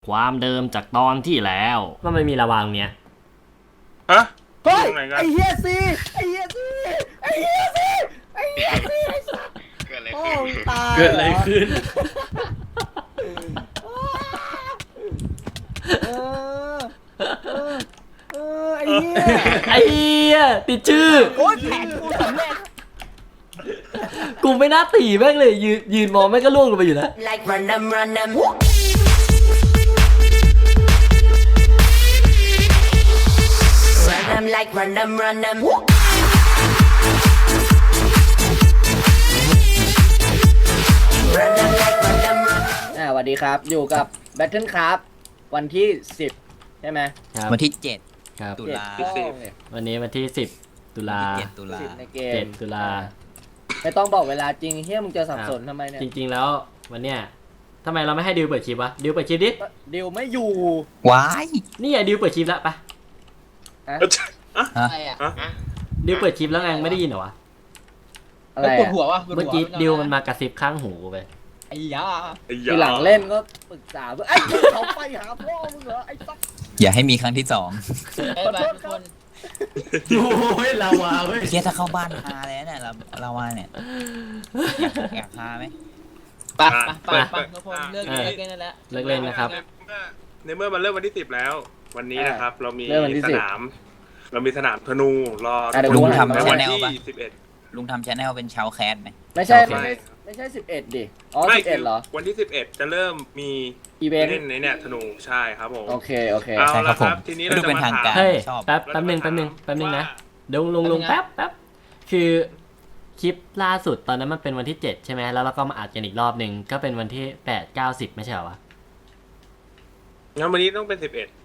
ความเดิมจากตอนที่แล้วว่ามันมีระวางเนี้ยฮะเฮ้ยตรงไหนกันไอ้เฮียซีไอ้เฮียซีไอ้เฮียซีไอ้เฮียซีไอ้สัสเกิดอะไรโอ้ขึ้นตายเกิดอะไรขึ้นเออไอ้เฮียไอ้เหี้ยติดชื่อโอ้ยแผนกูสำเร็จกูไม่น่าตีแม่งเลยยืนมองแม่งก็ล่วงลงไปอยู่แล้ว Like run them, run them. Run them like run them, run them. สวัสดีครับอยู่กับ Battle Craft วันที่ 10 ใช่ไหมครับวันที่ครับ 7 ตุลาวันนี้วันที่10 ตุลา 7 ตุลา 10ในเกม 7 ตุลาไม่ต้องบอกเวลาจริงเฮียมึงจะสับสนทำไมเนี่ยจริงๆแล้ววันเนี้ยทำไมเราไม่ให้ดิวเปิดคลิปวะดิวเปิดคลิปดิดิวไม่อยู่ว้ายนี่ไงดิวเปิดคลิปแล้วปะอะไรอะดิวเปิดคลิปแล้วไงไม่ได้ยินเหรอวะอะไรปวดอะหัววะเมื่อกี้ดิวมันมากระซิบข้างหูกูไปไอ้ยาทีหลังเล่นก็ปรึกษาเพื่อนไอ้เขาไปหาพ่อมึงเหรอไอ้สัสอย่าให้มีครั้งที่ 2 ไอ้บ้าทุกคนโอ้ยลาวาเว้ยเฮียถ้าเข้าบ้านฮาเลยเนี่ยเราว่าเนี่ยอยากฮาไหมไปทุกคนเลิกเล่นนั่นแหละเลิกเล่นนะครับในเมื่อมันเริ่มวันที่10แล้ว วันนี้นะครับ เรามีเริ่มวันที่ส 10 นาม เรามีสนามธนูรอเดี๋ยวลุงดูทำในชาวันแนลที่ปะ 11 ลุงทำชาแนลเป็นชาวแคสไหมไม่ใช่โอเคไม่ใช่11ดิอ๋อไม่คื 11เหรอวันที่11จะเริ่มมีอีเวนต์เล่นในเนี่ยธนูใช่ครับผมโอเคโอเคเอาใช่คละรับคผมรับทีนี้ก็เราดูจะเป็นมาทางถามการเฮ้ยชอบแป๊บนึงนะเดี๋ยวลุงแป๊บคือคลิปล่าสุดตอนนั้นมันเป็นวันที่7ใช่ไหมแล้วเราก็มาอัดกันอีกรอบหนึ่งก็เป็นวันที่8 9 10ไม่ใช่เหรอวะงั้นวันนี้ต้องเป็น11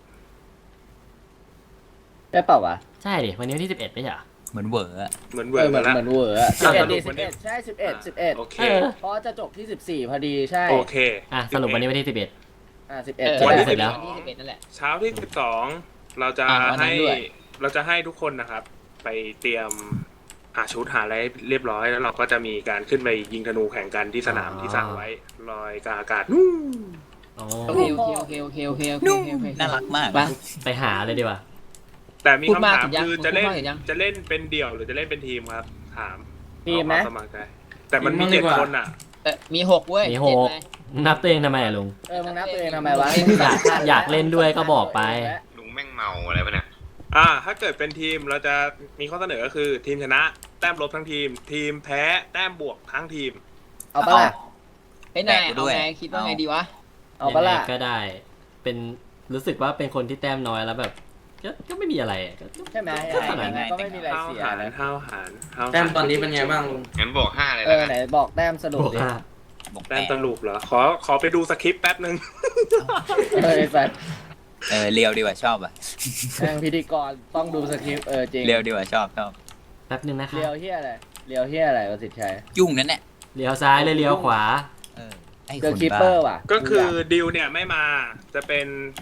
ได้เปล่าวะใช่ดิวันนี้วันที่11ไม่ใช่เหรอเหมือนเวอร์อะเหมือนเอเวิร์อเหมือนแล้วเหมือนเวอร์อะอ่ะ 11ดิสรุปวันนี้ 11ใช่11 โอเคเออเพราะจะจบที่14พอดีใช่โอเคอ่ะสรุปวันนี้วันที่11 11 วันที่ใช่ 11แล้วที่11นั่นแหละเช้าที่12เราจะวันนั้ให้นด้วยเราจะให้ทุกคนนะครับ ไปเตรียมหาชุดหาอะไรเรียบร้อยแล้วเราก็จะมีการขึ้นไปยิงธนูแข่งกันที่สนามที่สร้างไว้ลอยกลางอากาศนู่นอ๋อโอเคน่ารักมากไปไปหาเลยดีกว่าแต่มีพูดคำมากถามเห็นยังคือจะเล่นพูดมากเห็นยังจะเล่นเป็นเดี่ยวหรือจะเล่นเป็นทีมครับ ถามทีมไหมเอาความสมัครใจแต่มันมี7 คนอ่ะมี6เว้ยมี6นับตัวเองทำไมอะลุงมึงนับตัวเองทำไมวะอยากเล่นด้วยก็บอกไปลุงแม่งเมาอะไรปะเนี่ยถ้าเกิดเป็นทีมเราจะมีข้อเสนอก็คือทีมชนะแต้มลบทั้งทีม ทีมแพ้แต้มบวกทั้งทีมเอาปะล่ะไอ้นายเอาไงคิดว่าไงดีวะเอาปะล่ะยังไงก็ได้ เป็นรู้สึกว่าเป็นคนที่แต้มน้อยแล้วแบบ ก็ไม่มีอะไรอะก็ใช่ไหมก็ขนาดยังไงนั้นก็ไม่มีอะไรห้าวเสียหารนะห้าวหารห้าวหารแต้มตอนนี้เป็นไงบ้างลุงงั้นบอก5เลยเอแล้วอกันไหนบอกแต้มสรุปบวกดิห้าบอกแต้มสรุปเหรอขอไปดูสคริปต์แป๊บนึงไอ้สัสเรียวดีกว่าชอบอ่ะแม่งพิธีกรต้องดูสคริปต์จริงเรียวดีกว่าชอบแป๊บนึงนะคะเลียวเฮียอะไรเลียวเฮียอะไรประสิทธิ์ชัยยุ่งนั่นแหละเลี้ยวซ้ายเลยเลี้ยวขวาไอ้เจอคนคิปบ้าเปอร์ว่ะก็คือดิวเนี่ยไม่มาจะเป็น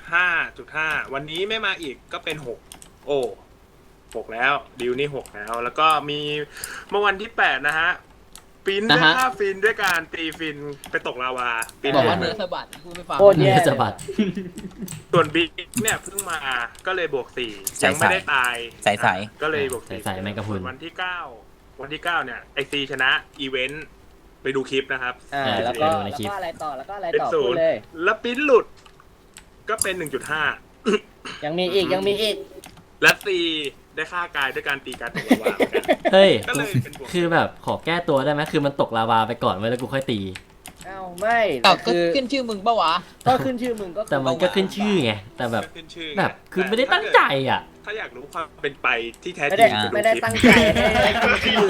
5.5 วันนี้ไม่มาอีกก็เป็น 6 โอ้6แล้วดิวนี่6แล้วก็มีเมื่อวันที่8นะฮะฟินได้ค่าฟินด้วยการตีฟินไปตกลาวาฟินบอกว่าเนื้อสะบัดพูดไม่ฟังโคตรแย่จะบัดส่วนบิ๊กเนี่ยเพิ่งมาก็เลยบวก4ยังไม่ได้ตายใสก็เลยบวกใส่แมงกะพรุนวันที่9เนี่ยไอซีชนะอีเวนต์ไปดูคลิปนะครับแล้วก็อะไรต่อแล้วก็อะไรเป็นต่อศูพูนดย์เลยแล้วปิ้นหลุด ก็เป็น 1.5 ยังมีอีกและซีได้ค่ากายด้วยการตีการตกลาวาเหมือนกันเฮ้ยก็เลยเป็นบวกคือแบบขอแก้ตัวได้ไหมคือมันตกลาวาไปก่อนไว้แล้วกูค่อยตีเอ้าไม่แต่ก็คือขึ้นชื่อมึงปะวะก็ขึ้นชื่อมึงก็แต่มันก็ขึ้นชื่อไง แต่แบบขึ้นชื่อแบบคือไม่ได้ตั้งใจอ่ะถ้าอยากรู้ความเป็นไปที่แท้ไม่จได้ริงไม่ได้ตั้งใจให้ขึ้นชื่อ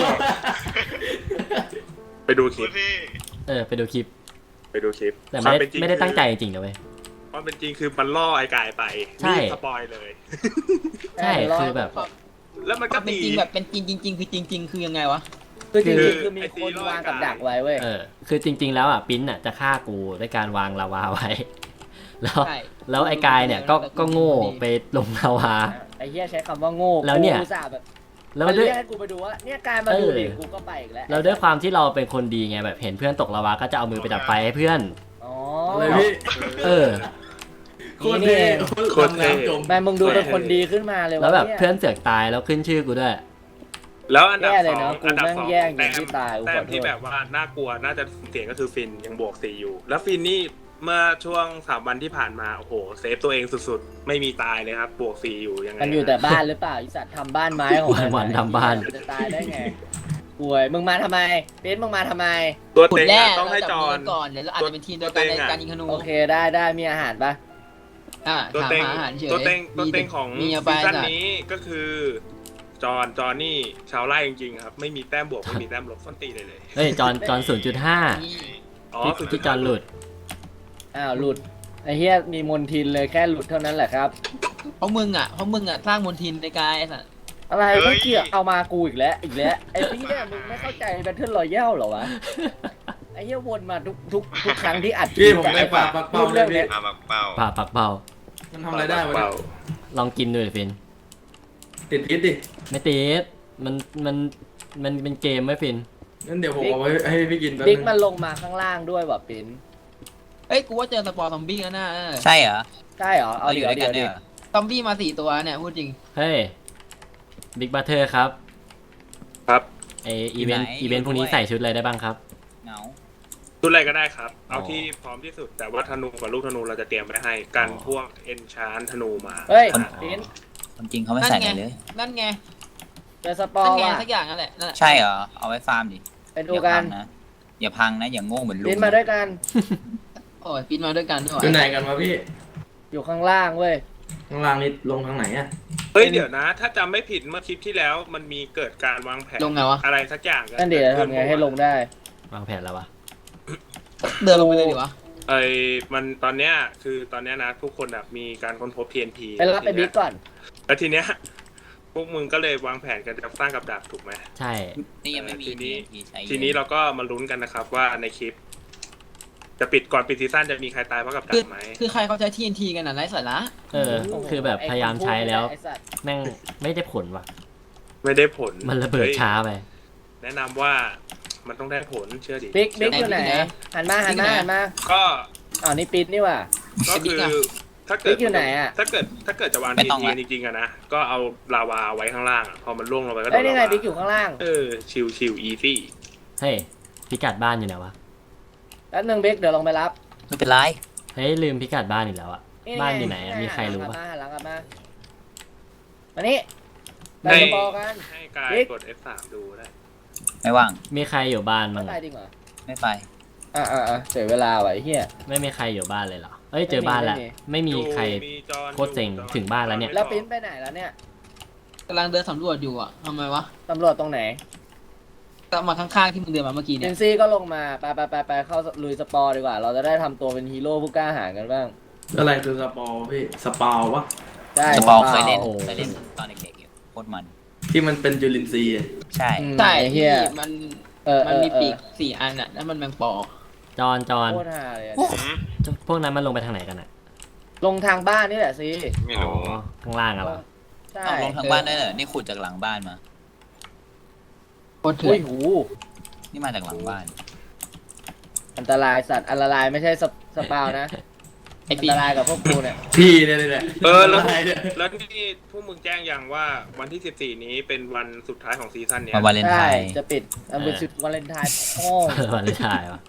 ไปดูคลิปไปดูคลิปไปดูคลิปแต่ควาไม่เป็นจริได้ตั้งใจจริงๆนะเว้ยความเป็นจริงคือมันล่อไอ้กายไปใช่นี่สปอยเลยใช่คือแบบแล้วมันคก็วามเป็นตีจริงแบบเป็นจริงคือจริงคือยังไงวะคือจริงคือๆคือมีคนวางกับดักไว้เว้ยคือจริง ๆ แล้วอ่ะปิ้นอ่ะจะฆ่ากูด้วยการวางลาวาไว้ แล้วใช่แล้วไอ้กายเนี่ยก็โง่ไปลงลาวาไอ้เหี้ยใช้คำว่าโง่แล้วเนี่ยกูอุตส่าห์แบบแล้วมันด้วยเรียกให้กูไปดูว่าเนี่ยกายมาดูดิกูก็ไปอีกแล้วแล้วด้วยความที่เราเป็นคนดีไงแบบเห็นเพื่อนตกลาวาก็จะเอามือไปดับไฟให้เพื่อนอ๋ออะไรพี่เออโคตรเท่โคตรเท่แม่มึงดูเป็นคนดีขึ้นมาเลยวะแล้วแบบเนี่ยเพื่อนเสือกตายแล้วขึ้นชื่อกูด้วยแล้วอันดับแย่เลสยอเนอะงกูอันดับแม่งสองแย่งอย่างที่ตายกูแต้ขมอโทที่ษแบบว่าน่ากลัวน่าจะเสียงก็คือฟินยังบวก4อยู่ แล้วฟินนี่เมื่อช่วง3วันที่ผ่านมาโอ้โหเซฟตัวเองสุดๆไม่มีตายเลยครับบวก4อยู่ยังไงมันอยู่แต่บ้านหรือเปล่าไอสัตว์ทำบ้านไม้ของมันวันๆทำบ้านจะตายได้ไงป่วยมึงมาทำไมเป็นมึงมาทำไมตัวขุดเต็งแร่อะต้องให้จอนก่อนเดี๋ยวเราอาจจะเป็นทีมเดียวกันในการยิงธนูโอเคได้มีอาหารปะตัวถามเต็งหาอาหารเฉยตัวเต็งของมีซีเอาไปซั่นน่ะนี้ก็คือจอนนี่ชาวไร่จริงๆครับไม่มีแต้มบวกไม่มีแต้มลบส้นตีเลยเฮ้ยจอน 0.5 นี่อ๋อที่จอนหลุดอ้าวหลุดไอ้เหี้ยมีมนทินเลยแค่หลุดเท่านั้นแหละครับเพราะมึงอ่ะสร้างมลทินในกายไอ้สัสอะไรไม่เกี่ยวเอามากูอีกแล้วไอ้พี่เนี่ยมึงไม่เข้าใจแบทเทิลรอยัลเหรอวะไอ้เหี้ยวนมาทุกครั้งที่อัดพี่ผมได้ปลาปักเป้าเรื่องเนี้ยมาบักเป้าผ่าปักเป่ามันทำอะไรได้วะเนี่ยลองกินดูดิฟินติดพิษดิไม่ติดมันเป็นเกมไหมฟินงั้นเดี๋ยวผมเอาไว้ให้พี่กินแป๊บบิ๊กนึงมันลงมาข้างล่างด้วยว่ะปิ้นเอ้ยกูว่าเจอสปอร์ซอมบี้แล้วนะใช่เหรอใช่เหรอเอาเราอเดี๋ยู่ยวด้วยเดี๋กัยนวเนี่เดี๋ยยวซอมบี้มา4 ตัวเนี่ยพูดจริงเฮ้ยบิ๊กบัตเตอร์ครับครับไออีเวนต์พวกนี้ใส่ชุดอะไรได้บ้างครับเหงาชุดอะไรก็ได้ครับ เอาอ๋อที่พร้อมที่สุด แต่ว่าธนูกับลูกธนูเราจะเตรียมไว้ให้กันพวกเอนชานธนูมาเฮ้ยปิ้นความจริงเขาไม่ใส่อะไรเลยนั่นไงเจอสปอนั่นร์ไงว่ะสักอย่างนั่นแหละนั่นแหละใช่เหรอ เอาไว้ฟาร์มดิไปดูกันอย่าพังนะ อย่างโง่เหมือนลุงปิ้นมาด้วยกันโอ้ยปิดมาด้วยกันด้วยอยู่ไหนกันวะพี่อยู่ข้างล่างเว้ยข้างล่างนี่ลงทางไหนอะเฮ้ยเดี๋ยวนะ ถ้าจำไม่ผิดเมื่อคลิปที่แล้วมันมีเกิดการวางแผนลงไงวะอะไรสักอย่างนั่นเดี๋ยวทำไงให้ลงได้วางแผนแล้ววะเดินลงไปเลยดีวะมันตอนเนี้ยคือตอนเนี้ยนะทุกคนแบบมีการค้นพบ TNT ไปรับไปบิ๊กก่อนแล้วทีเนี้ยพวกมึงก็เลยวางแผนกันจะสร้างกับดักถูกไหมใช่นี่ยังไม่มีทีนี้ TNT ใช้ทีนี้เราก็มาลุ้นกันนะครับว่าในคลิป จะปิดก่อนปิดซีซั่นจะมีใครตายเพราะกับดักไหมคือใครเขาใช้ TNT กันน่ะไร้สาระคือแบบพยายามใช้แล้วไอ้สัตว์แม่งไม่ได้ผลว่ะไม่ได้ผลมันระเบิดฮ้ยช้าไปแนะนำว่ามันต้องได้ผลเชื่อดิบิ๊กเชื่ออยู่ไหนหันมาก็อ๋อนี่ปิดนี่ว่ะก็คือถ้าเกิบิ๊ดกอยู่ไหนอะถ้าเกิดจะวาง TNT จริงๆอะนะก็เอาลาวาไว้ข้างล่างอะพอมันล่วงลงไปก็โดเอ้ยนนี่ไงลาวาบิ๊กอยู่ข้างล่างชิวอีซี่เฮ้ยพิกัดบ้านอยู่ไหนวะแป๊บนึงบิ๊กเดี๋ยวลงไปรับไม่เป็นไรเฮ้ยลืมพิกัดบ้านอีกแล้วอะบ้านอยู่ไหนอะมีใครรู้ปะหลังกลับมามานี่ไปให้สปอร์กันให้กายบิ๊กกด F3 ดูได้ไม่ว่างมีใครอยู่บ้านไม่มั้งตายจริงเหรอไม่ไปเสียเวลาว่ะไอ้เหี้ยไม่มีใครอยู่บ้านเลยเหรอเอ้ยเจอบ้านแล้ว ไม่มีใครจอนโคตรเซ็งถึงบ้านแล้วเนี่ยแล้วปิ้นไปไหนแล้วเนี่ยกำลังเดินสำรวจอยู่อ่ะทำไมวะตำรวจตรงไหนตามมาข้างๆที่มึงเดินมาเมื่อกี้เจเนี่ยนซี่ก็ลงมาไปเข้าลุยสปอร์ดีกว่า เราจะได้ทำตัวเป็นฮีโร่ผู้กล้าหาญกันบ้างอะไรคือสปอร์พี่สปาววะได้สปอร์เคยเล่นโอ้เคยเล่นตอนเด็กๆอยู่โคตรมันที่มันเป็นจุลินทรีย์อะใช่อืมใช่ไอ้เหี้ที่ยมันเอมันอมีปีก4 อันอ่ะแล้วมันแมงปอจอนโคตรฮาเลยอะพวกนั้นมันลงไปทางไหนกันอะลงทางบ้านนี่แหละสิไม่อ๋อรู้ข้างล่างอะเหรอใช่เอาลงทางบ้านได้เหรอนี่ขุดจากหลังบ้านมาโคตรเถื่อุ้อย นหูนี่มาจากหลังบ้านอันตรายสัตว์อันตรายไม่ใช่สปาวนะไอ้อันปีตรายกับพวกกูเนี่ยพี่เนี่ยเลยแหละแล้วอะไรเนี่ยแล้วนี่พวกมึงแจ้งยังว่าวันที่ 14 นี้เป็นวันสุดท้ายของซีซั่นเนี้ยมาวาเลนไทใช่น์จะปิดอันเป็นชุดวาเลนไทน์โอ้วันนี้ถ่ายวะ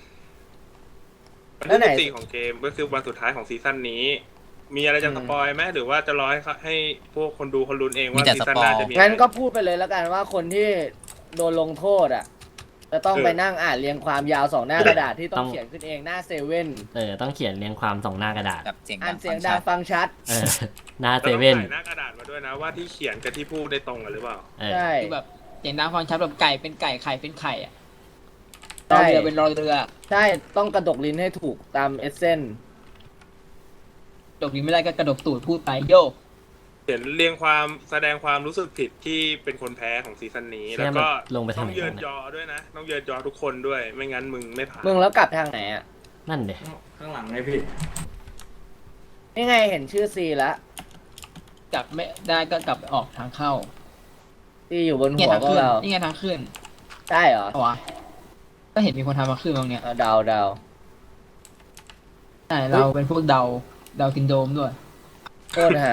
วันแล้วไหนที่ 14 ของเกมก็คือวันสุดท้ายของซีซั่นนี้ มีอะไรจะสปอยไหมหรือว่าจะรอให้พวกคนดูเขาลุ้นเองว่าซีซั่นหน้าจะมีอะไรงั้นก็พูดไปเลยแล้วกันว่าคนที่โดนลงโทษอ่ะ จะต้องไปนั่งอ่านเรียงความยาว2 หน้ากระดาษที่ต้องเขียนขึ้นเองหน้าเซเว่นต้องเขียนเรียงความสองหน้ากระดาษกับเสียงอ่าดันงเสียงฟัดังงฟังชัดหน้าแล้วเซต้องเว่นใส่หน้ากระดาษมาด้วยนะว่าที่เขียนกับที่พูดได้ตรงกันหรือเปล่าใช่คือแบบอย่างน้ำฟังชัดแบบไก่เป็นไก่ไข่เป็นไข่อ่ะรใช่อเรือเป็นรอเรือใช่ต้องกระดกลิ้นให้ถูกตามเอเซนดกนี้ไม่ได้ก็กระดกตูดพูดไปโยกเขียนเรียงความแสดงความรู้สึกผิดที่เป็นคนแพ้ของซีซั่นนี้ แล้วก็ลงไปทาต้งองไหนเยิกัน นยอะอด้วยนะ ต้องเยินยอทุกคนด้วย ไม่งั้นมึงไม่ผ่านมึงแล้วกลับทางไหนอ่ะนั่นเด็ข้างหลังไงพี่นี่ไงเห็นชื่อซีแล้วกลับไม่ได้ก็กลับออกทางเข้าซีอยู่บนนี่หัวทางพวกขึ้นเรานี่ไงทางขึ้นได้เหรอเอาวะก็เห็นมีคนทำมาขึ้นตรงเนี้ยเอาเดาใช่เราเป็นพวกเดาดาวกินโดมด้วยโคตรหา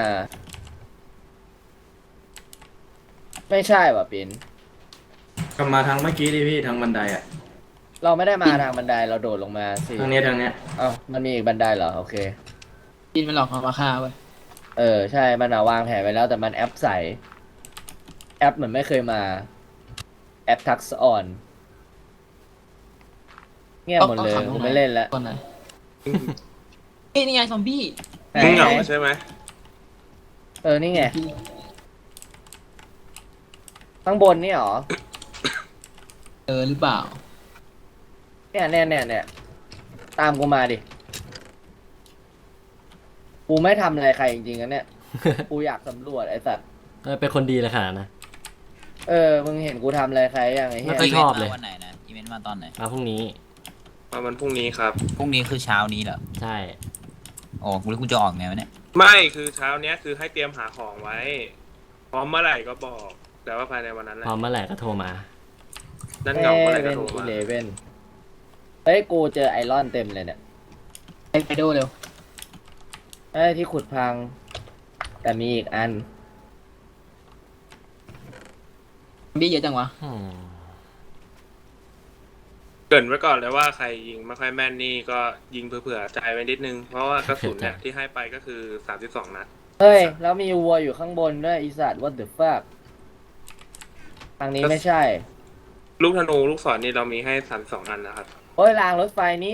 ไม่ใช่ว่ะปินกลับมาทางเมื่อกี้ดิพี่ทางบันไดอ่ะเราไม่ได้มาทางบันไดเราโดดลงมาสิทางเนี้ยเอ้ามันมีอีกบันไดเหรอโอเคกินมันหลอกเอามาฆ่าเว้ยใช่มันวางแผนไว้แล้วแต่มันแอปใสแอปเหมือนไม่เคยมาแอปทักซ์ออนเงียบหมดเลยผมไม่เล่นแล้วก่อนไหนเอ้ยนี่ไงซอมบี้มึงเหงาใช่ไหมนี่ไงข้างบนนี่หรอหรือเปล่าเนี่ยตามกูมาดิกูไม่ทำอะไรใครจริงๆนะเนี่ย กูอยากสำรวจไอ้สัตว์เป็นคนดีเลยขนาดนะมึงเห็นกูทำอะไรใครยังไอ้เหี้ยก็ชอบเลยอีวนต์มาวันไหนนะอีเวนต์มาตอนไหนมาพรุ่งนี้วันพรุ่งนี้ครับพรุ่งนี้คือเช้านี้เหรอใช่โอ้กูรู้กูจะออกไงวะเนี่ยไม่คือเช้าเนี้ยคือให้เตรียมหาของไว้ พร้อมเมื่อไหร่ก็บอก แต่ว่าภายในวันนั้นแหละพร้อมเมื่อไหร่ก็โทรมานั่นเหงาเมื่อไหร่ก็เป็นโทรมา 11เฮ้ยกูเจอไอรอนเต็มเลยเนี่ยไปดูเร็วที่ขุดพัง แต่มีอีกอันซอมบี้เยอะจังวะอืมเกรินไว้ก่อนเลยว่าใครยิงไม่ค่อยแม่นนี่ก็ยิงเผื่อๆใจไว้นิดนึง เพราะว่ากระสุนเนี่ยที่ให้ไปก็คือ32 นัดเฮ้ย แล้วมีวัวอยู่ข้างบนด้วยอีสัตว์ what the fuck ทางนี้ไม่ใช่ลูกธนูลูกศรนี่เรามีให้32 อันนะครับโอ้ยรางรถไฟนี้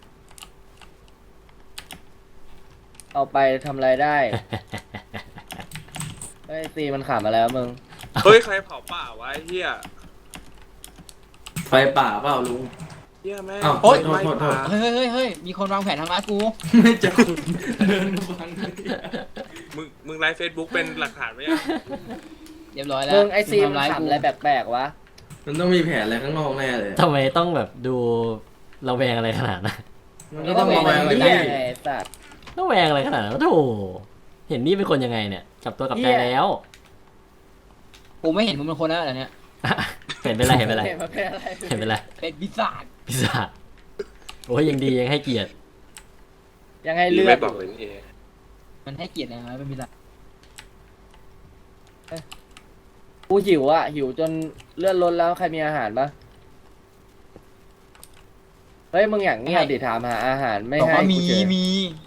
เอาไปทำอะไรได้ เฮ้ยตีมันขำมาแล้วมึงเฮ้ยใครเผาป่าวะไอ้เหี้ยไฟป่าเปล่าลุงเหี้ยแม่งอ้าวโอ๊ยโทษไม่โทษป่าเฮ้ยมีคนวางแผนทำร้ายกูไม่จะขุดเดินมาฟังเลยมึงไลฟ์เฟซบุ๊กเป็นหลักฐานไว้ยังเรียบร้อยแล้วมึงไอซีมันทำร้ายขำกูอะไรแปลกๆวะมันต้องมีแผนอะไรข้างนอกแน่เลยทำไมต้องแบบดูระแวงอะไรขนาดนั้นมันก็ต้องระแวงอะไรเหี้พี่ยไงไอ้สัตว์ระแวงอะไรขนาดนั้นโธ่เห็นนี่เป็นคนยังไงเนี่ยกลับตัวกลับใจเหี้ยแล้วกูไม่เห็นมึงเป็นคนแล้วเหรอเนี่ยเห็นเป็นไรเห็นเป็นไรมันเป็นอะไรเห็นเป็นไรเป็นปีศาจพิซซ่าจโอ้ยยังดียังให้เกียรติยังไงเลือไม่ดบอกเลยนี่มันให้เกียรตินะเป็นปีศาจกูหิวอ่ะ หิวจนเลือดลดแล้วใครมีอาหารปะเฮ้ยมึงอย่างเงียบดิถามหาอาหารไม่บอกให้ว่ากูมีเจอมี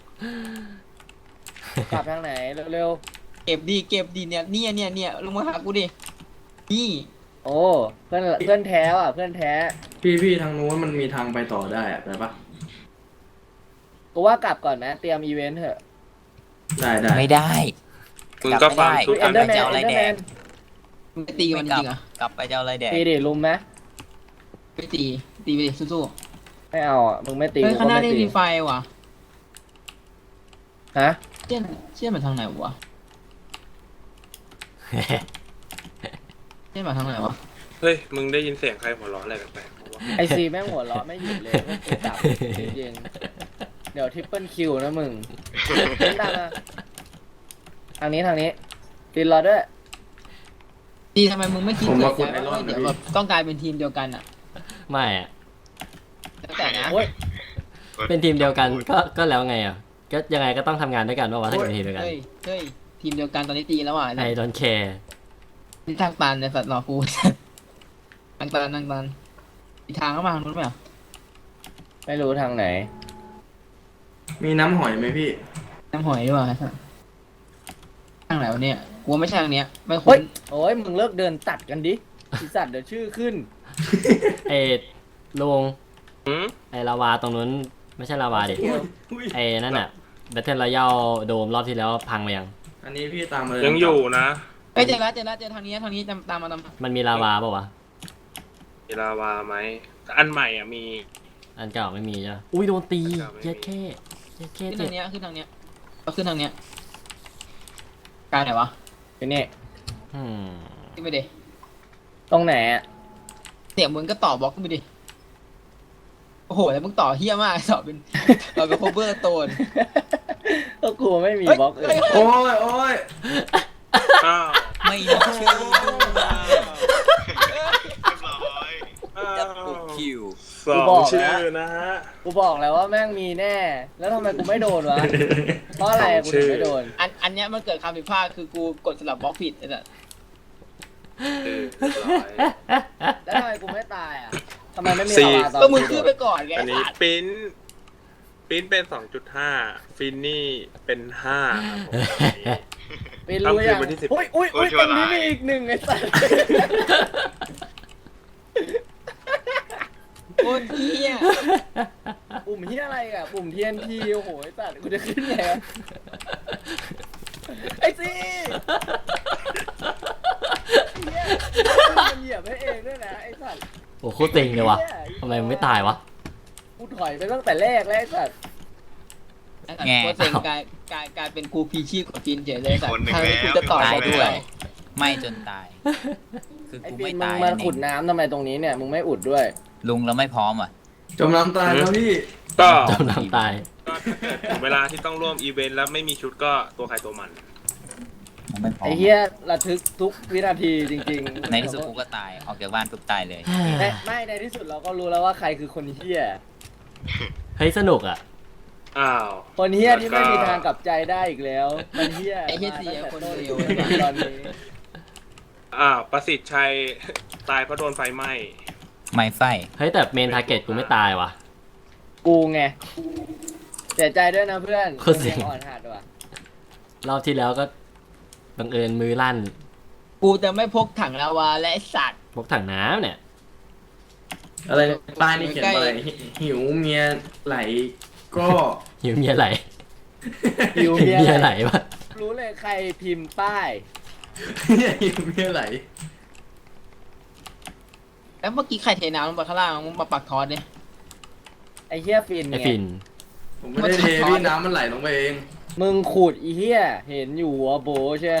กลับทางไหนเร็วเก็บดีเนี่ยลงมาหากูดินี่ๆ โอ้เพื่อนแท้อ่ะเพื่อนแท้พี่ทางนู้นมันมีทางไปต่อได้อะได้ปะกูว่ากลับก่อนนะเตรียมอีเวนต์เถอะได้ไม่ได้มึงก็ฟังกลับไม่ได้ทุกเอ็อันนเดอร์แมนจะเอาอะไรเอ็นเดอร์แมนแดกมึงไปตีกับมันจริงๆเหรอ่ะกลับไปจะเอาอะไรแดกตีดิลุมไหมไปตีไปดิสู้ไม่เอาอ่ะมึงไม่ตีๆเฮ้ยกูข้างก็หน้าไม่นี่ตีมีไฟว่ะฮะเชี่ยมันทางไหนวะเชี่ยมันทางไหนวะเฮ้ยมึงได้ยินเสียงใครหัวเราะอะไรแปลกๆวะไอซีแม่งหัวเราะไม่หยุดเลยไม่กูจับจริงๆเดี๋ยวทริปเปิลคิวนะมึงเล่นตามมาทางนี้ตีรอด้วยตีทำไมมึงไม่คิดผมเลมาย ขุดไอรอนว่านะเดี๋ยวพี่แบบต้องกลายเป็นทีมเดียวกันอ่ะไม่อะแล้วแต่นะโอ้ยเป็นทีมเดียวกันก็แล้วไงอ่ะก็ยังไงก็ต้องทำงานด้วยกันว่าถ้าเกิดเป็นทีมเดียวกันเฮ้ยทีมเดียวกันตอนนี้ตีแล้วอ่ะไอดอนแคร์นี่ทางตันในสัตว์หลอกกู ทางตันอีกทางเข้ามาทางนู้นไหมอ่ะไม่รู้ทางไหนมีน้ำหอยไหมพี่น้ำหอยดีกว่าไอ้สัตว์ทางไหนวะเนี่ยกูว่าไม่ใช่ทางเนี้ยไม่เฮ้คุ้ยนโอ้ยมึงเลิกเดินตัดกันดิอีสัตว์เดี๋ยวชื่อขึ้นไอลุงหืมไอลาวาตรงนู้นไม่ใช่ลาวาดิไอนั่นอ่ะแบทเทิลรอยัลโดมรอบที่แล้วพังไปยังอันนี้พี่ตามมาเลยยังอยู่นะเอ้ยเจอแล้วทางนี้ตามมามันมีลาวาเปล่าวะมีลาวาไหมอันใหม่อ่ะมีอันเก่าไม่มีจ้ะอุ้ยโดนตีอันเก่าไม่มีเย็ดแค่เย็ดแค่ขึ้นเจ็ทาบงเนี้ยขึ้นทางเนี้ยก็ขึ้นทางเนี้ยกลายไหนวะไปนี่อืมขึ้นไปดิตรงไหนอ่ะเนี่ยมึงก็ต่อบล็อกขึ้นไปดิโอ้โหแล้วมึงต่อเฮี้ยมากต่อเป็นโคเวอร์โตนก็กูไม่มีบล็อกอื่นโอ้ยอ้าวไม่มีชื่อด้วยเรียบร้อยอ้าวดับเบิลคิวสสองบอกชื่แล้อวนะฮะกูบอกแล้วว่าแม่งมีแน่ แล้วทำไมกูไม่โดนวะ เพราะอะไรกูถึงไม่โดนอันเนี้ยมันเกิดคำผิดพลาดคือกูกดสลับบล็อกผิดไอ้สัสเรียบร้อยแล้วทำไมกูไม่ตายอ่ะทำไมไม่มีสี่ลาวาตอนก็มึงกูโดขึ้นนไปก่อนไงอันนี้สัสปิ้นเป็น 2.5 ฟินนี่เป็น5ครับผมไปรู้ยังเอาคืนวันที่10 อุ้ยอุ้ยอุ้ยตรงนี้มีอีกหนึ่งไอ้สัสโคตรเหี้ยปุ่มเฮียอะไรอ่ะ ปุ่ม TNT โอ้โหไอ้สัสกูจะขึ้นไงวะไอ้ซีเฮียมันเหยียบให้เองด้วยนะไอ้สัสโอ้โหโคตรเต็งเลยวะทำไมมันไม่ตายวะกูถอยไปตั้งแต่แรกแล้วไอ้สัสแง่โคตรเซ็งกลายเป็นกูพีชีพกับฟินเฉยเลยสัสคนหนึ่งทางนี้กูแล้วจะต่อตายไปด้ด้ววย ยไม่จนตาย คือไอ้กูฟิไม่นมึตาง ยมานั่นเอขุดงน้ำทำไมตรงนี้เนี่ยมึงไม่อุดด้วยลุงเราไม่พร้อมอ่ะจมน้ำตายแล้วพี่ก็จมน้ำตายก็ถ้าเกิดถึงเวลาที่ต้องร่วมอีเวนต์แล้วไม่มีชุดก็ตัวใครตัวมันมันไม่พร้อมไอ้เฮียระทึกทุกวินาทีจริงๆในที่สุดกูก็ตาย ออกจากบ้านปุ๊บตายเลยไม่ในที่สุดเราก็รู้แล้วว่าใครคือคนเฮียเฮ้ยสนุกอ่ะอ้าวคนเฮียที่ไม่มีทางกลับใจได้อีกแล้ว มันเฮียไอ้เหี้ยเสียคนเดียวตอนนี้ประสิทธิ์ชัย ตายเพราะโดนไฟไหม้ไม่ไฟเฮ้ยแต่เมนทาร์เก็ตกูไม่ตายว่ะกูไงเสียใจด้วยนะเพื่อนโคตรเสียอ่อนหัดว่ะรอบที่แล้วก็บังเอิญมือลั่นกูจะไม่พกถังลาวาและไอ้สัตว์พกถังน้ำเนี่ยอะไรป้ายนี่เขียนว่าอะไรหิวเมียไหลก็หิวเมียไหลหิวหิวเมีเมียยไหไหลลวะรู้เลยใครพิมพ์ป้ายหิวเมียไหลแล้วเมื่อกี้ใครเทน้ำลงไปข้างล่างมึงมาปักทอดเนี่ยไอ้เฮียฟินไอไงฟินผมไม่ได้เทพี่น้ำมันไหลลงไปเองมึงขูดอีเฮียเห็นอยู่หัวโบใช่ไหม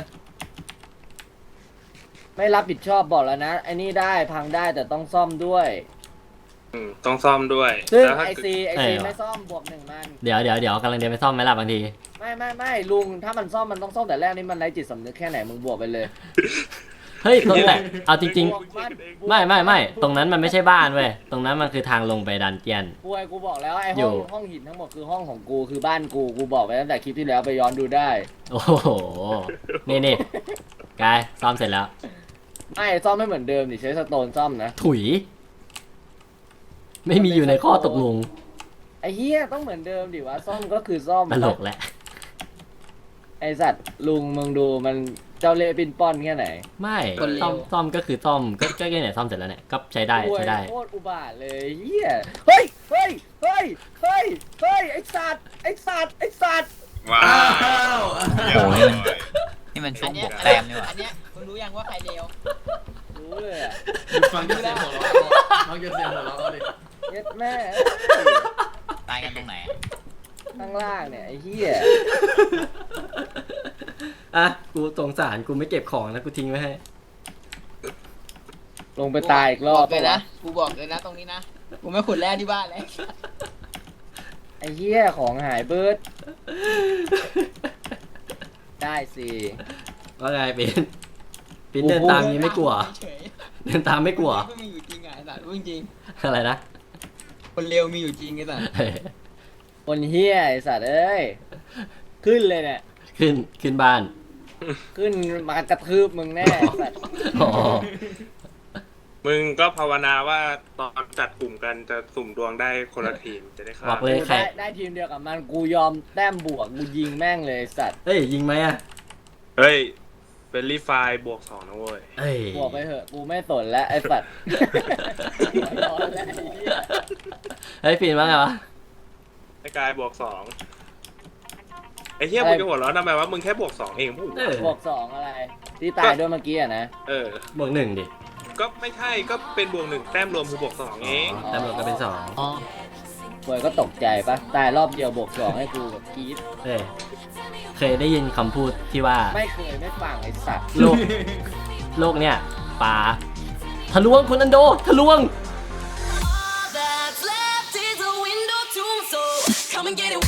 ไม่รับผิดชอบบอกแล้วนะไอ้นี่ได้พังได้แต่ต้องซ่อมด้วยต้องซ่อมด้วยซึ่งแล้วถ้าไอเกิดซีเออไม่ซ่อมบวกหนึ่งมันเดี๋ยวกำลังเดินไปซ่อมไหมล่ะบางทีไม่ลุงถ้ามันซ่อมมันต้องซ่อมแต่แรกนี่มันไร้จิตสำนึกแค่ไหนมึงบวกไปเลยเฮ้ยตรงแต่เอาจริงบวกมันๆ ไม่ตรงนั้นมันไม่ใช่บ้านเว้ย ตรงนั้นมันคือทางลงไปดันเจียนกูบอกแล้วไอ้อยู่ห้องหินทั้งหมดคือห้องของกูคือบ้านกูบอกไปตั้งแต่คลิปที่แล้วไปย้อนดูได้โอ้โห นี่กายซ่อมเสร็จแล้วไม่ซ่อมไม่เหมือนเดิมดิใช้สโตนซ่อมนะถุย ไม่มีอยู่ในข้อตกลงไอ้เฮียต้องเหมือนเดิมดิวะซ่อมก็คือซ่อมตลกแหละไอสัตว์ลุงมึงดูมันเจ้าเล่ห์ปินป้อนแค่ไหนไม่คนเลวซ่อมก็คือซ่อมก็แค่ไหนซ่อมเสร็จแล้วเนี่ยก็ใช้ได้โอ้ยใช้ได้โคตรอุบาทเลยเฮียเฮ้ยไอสัตว์ไอสัตว์ว้าอ้าวเรียบโอ้ร้ยอยนี่มันช่วอังนบเนี้วย กแต้มนี่หว่าอันเนี้ยมึงรู้ยังว่าใครเลวรู้เลยอ่ะฟังจากเสียงหัวเราะฟังจากเสียงหัวเราะดิเย็ดแม่ตายกันตรงไหนอะข้างล่างเนี่ยไอ้เฮียอ่ะ กูสงสารกูไม่เก็บของแล้วกูทิ้งไว้ให้ลงไปตายอีกรอบบ อกเลยนะกูบอกเลยนะตรงนี้นะกูไม่ขุดแร่ที่บ้านเลยไอ้เฮียของหายเบิร์ดได้สิว่าไงปิ้นเดินตามนี้ไม่กลัวเฉยเดินตามไม่กลัวคนเลวไม่มีอยู่จริงอ่ะไอ้สัตว์พูดจริงอะไรนะคนเลวมีอยู่จริงไอ้สัตว์เฮ้ยคนเฮียไอสัตว์เอ้ยขึ้นเลยเนี่ยขึ้นบ้านขึ้นมากระทืบมึงแน่ไอ้สัตว์อ๋อมึงก็ภาวนาว่าตอนจัดกลุ่มกันจะสุ่มดวงได้คนละทีมจะได้บฆ่าอกเลยกูใครได้ทีมเดียวกับมันกูยอมแต้มบวกกูยิงแม่งเลยไอ้สัตว์เฮ้ย ยิงไหมอ่ะเฮ้ยเป็นรีไฟบวก 2นะเว้ยเฮ้ยบวกไปเถอะกูไม่สนแล้วไอ้สัตว์ร้อนแล้วไอ้เหี้ยเฮ้ยปิ้นว่าไงวะไอ้กายบวก 2ไอ้เหี้ยมึงจะหัวเร้อนทำไมวะมึงแค่บวก 2 เองพูดเออบวกสองอะไร ที่ตายด้วยเมื่อกี้อะนะบวกหนึ่งดิก็ไม่ใช่ก็เป็นบวก 1 แต้มรวมคือบวก 2 เองตำรวจก็เป็นสองบวยก็ตกใจปะตายรอบเดียวบวกสองให้กูแบบกรี๊ดเฮ้ยเคยได้ยินคำพูดที่ว่าไม่เคยไม่ฟังไอ้สัตว์โลกเนี่ยป่าทะลวงคุณอันโดทะลวง All that's left is a window to my soul. Come and get it.